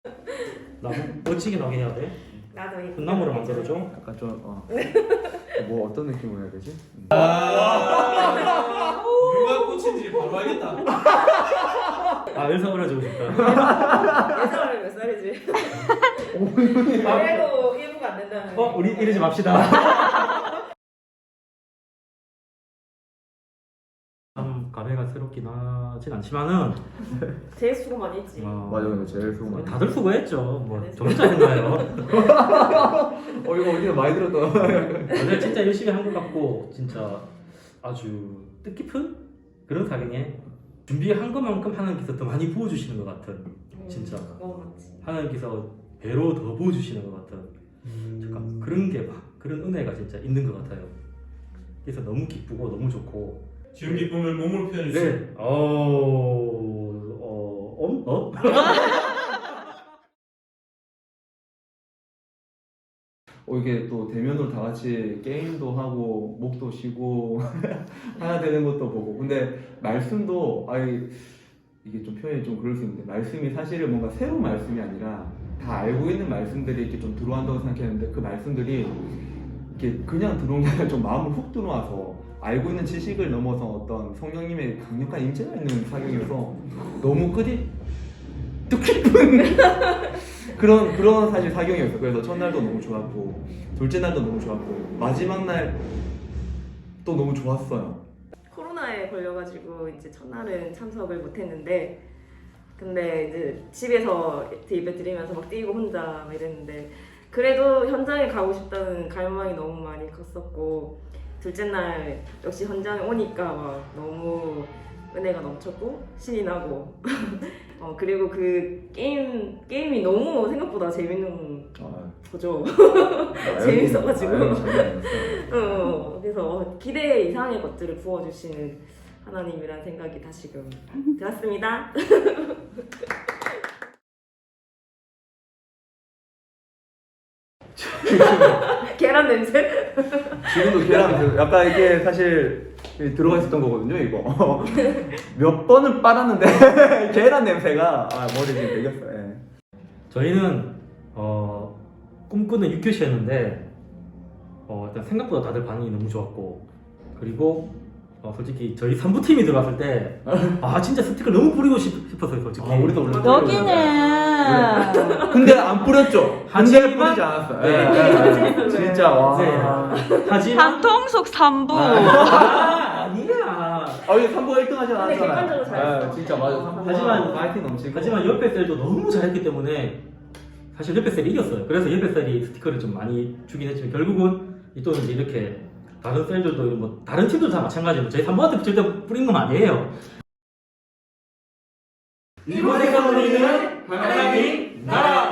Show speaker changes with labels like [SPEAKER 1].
[SPEAKER 1] 나무 멋지게 나게 해야 돼.
[SPEAKER 2] 나도 이
[SPEAKER 1] 분나무를 만들어줘.
[SPEAKER 3] 약간 좀 뭐 어떤 느낌으로 해야 되지?
[SPEAKER 4] 누가 꽃인지 바로 알겠다.
[SPEAKER 1] 아 열상 어려지고 싶다.
[SPEAKER 2] 예상하면 몇 살이지? 그래도 1부가 안 된다는.
[SPEAKER 1] 우리 이러지 맙시다. 참 감회가 새롭긴 하진 않지만은
[SPEAKER 2] 제일 수고 많이 했지.
[SPEAKER 3] 맞아, 근데 제일 수고 많이.
[SPEAKER 1] 다들 수고했죠. 뭐 저 혼자 했나요?
[SPEAKER 3] 이거 어디서 많이 들었던.
[SPEAKER 1] 다들 진짜 열심히 한 것 같고 진짜 아주 뜻깊은 그런 사경에 준비한 것만큼 하나님께서 더 많이 부어주시는 것 같은 진짜
[SPEAKER 2] 너무 많지.
[SPEAKER 1] 하나님께서 배로 더 부어주시는 것 같은 잠깐 그런 게 막 그런 은혜가 진짜 있는 것 같아요. 그래서 너무 기쁘고 너무 좋고
[SPEAKER 4] 지금 기쁨을 몸으로 표현해 주세요.
[SPEAKER 1] 네.
[SPEAKER 3] 이게 또 대면으로 다 같이 게임도 하고 목도 쉬고 하나 되는 것도 보고. 근데 말씀도 이게 좀 표현이 좀 그럴 수 있는데 말씀이 사실은 뭔가 새로운 말씀이 아니라 다 알고 있는 말씀들이 이렇게 좀 들어간다고 생각했는데 그 말씀들이 이렇게 그냥 들어온 게 아니라 좀 마음을 훅 들어와서 알고 있는 지식을 넘어서 어떤 성령님의 강력한 임재가 있는 사경이어서 너무 뜻깊은 그런 사실 사경이었어요. 그래서 첫날도 너무 좋았고 둘째 날도 너무 좋았고 마지막 날 또 너무 좋았어요.
[SPEAKER 2] 코로나에 걸려가지고 이제 첫날은 참석을 못했는데, 근데 이제 집에서 예배 드리면서 막 뛰고 혼자 막 이랬는데, 그래도 현장에 가고 싶다는 갈망이 너무 많이 컸었고, 둘째 날 역시 현장에 오니까 막 너무 은혜가 넘쳤고 신이 나고 그리고 그 게임이 너무 생각보다 재밌는 거죠. 재밌어가지고 그래서 기대 이상의 것들을 부어주시는 하나님이라는 생각이 다시금 들었습니다. 계란 냄새?
[SPEAKER 3] 지금도 계란 약간 이게 사실 들어가 있었던 거거든요. 이거 몇 번을 빨았는데 계란 냄새가 머리에 지금 배겼어요. 예.
[SPEAKER 1] 저희는 꿈꾸는 6교시였는데 일단 생각보다 다들 반응이 너무 좋았고 그리고 솔직히 저희 3부 팀이 들어왔을 때 진짜 스티커 너무 뿌리고 싶었어요 솔직히.
[SPEAKER 3] 우리도
[SPEAKER 5] 여기는
[SPEAKER 3] 근데 안 뿌렸죠?
[SPEAKER 1] 하지만
[SPEAKER 3] 뿌리지 않았어요.
[SPEAKER 1] 네.
[SPEAKER 3] 예. 진짜 와.
[SPEAKER 1] 네. 하지만
[SPEAKER 5] 방통속 3부
[SPEAKER 1] 아니야.
[SPEAKER 3] 이게 3부가 1등 하지
[SPEAKER 2] 근데 객관적으로
[SPEAKER 3] 않았잖아요.
[SPEAKER 2] 잘했어.
[SPEAKER 3] 진짜 맞아. 3부가
[SPEAKER 1] 하지만
[SPEAKER 3] 파이팅 넘치고.
[SPEAKER 1] 하지만 옆에 셀도 너무 잘했기 때문에 사실 옆에 셀이 이겼어요. 그래서 옆에 셀이 스티커를 좀 많이 주긴 했지만 결국은 또 이제 이렇게 다른 셀들도 뭐 다른 팀도 다 마찬가지로 저희 3번한테 절대 뿌린 건 아니에요. 이곳에서 우리는 하나님 나라.